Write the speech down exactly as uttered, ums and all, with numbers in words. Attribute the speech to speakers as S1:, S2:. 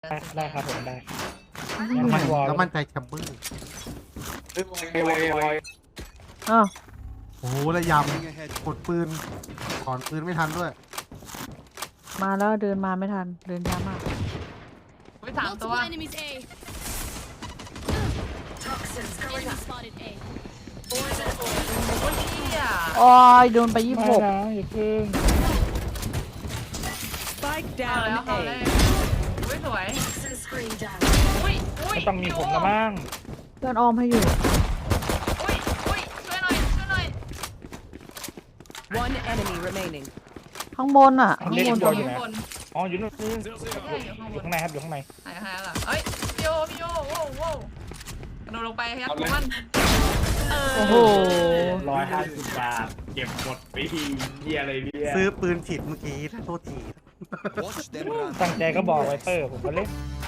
S1: ได้ครับผมได้
S2: แล้วมันแล้วมันใจแชมเบอร์
S3: อ้าว
S2: โอ้โหระยำกดปืนถอนปืนไม่ทันด้วย
S3: มาแล้วเดินมาไม่ทันเดินช้ามาก
S4: ไปสามตัว
S5: Multiple enemies A. Enemy spotted A.
S4: โอ้ยเหี้ย
S3: โอ้ยโดนไปยี่สิบหก
S1: นะอย่าเพิ่ง
S6: Spike
S4: เอาแล้ว
S6: down
S4: เอาเลย
S6: A.
S4: อุ้ยสวยอุ้ยอุ้ย
S1: ไม่ต้องมีผมละมั้ง
S3: เพื่อนออมให้อยู่
S4: อุ้ยอุ้ยช่วยหน่อยช่วยหน่อย
S6: One enemy remaining.
S3: ข้างบนอ่ะ ข้าง
S1: เล่น
S3: บน
S1: บ
S3: ตร
S1: อง ลอ
S3: นี้
S1: ยู่นะ
S4: คน
S1: อ๋ออยู่นู่น
S4: ใช่อยู่ข้างบ
S1: อยู่
S4: น
S1: ข้างในครับอยู่ข้างใน
S4: หายหายแล้วเอ้ยพี่โยพี่โยโว้วโว้วกระโดดลงไปยัดมันเออ
S3: โอ้โห
S7: ร้อยห้าสิบบาทเก็บหมดปีเฮียอะไรเนี่ย
S2: ซื้อปืนผิดเมื่อกี้โทษที
S1: ตั้งใจก็บอกไวเปอร์ผมก็เล่น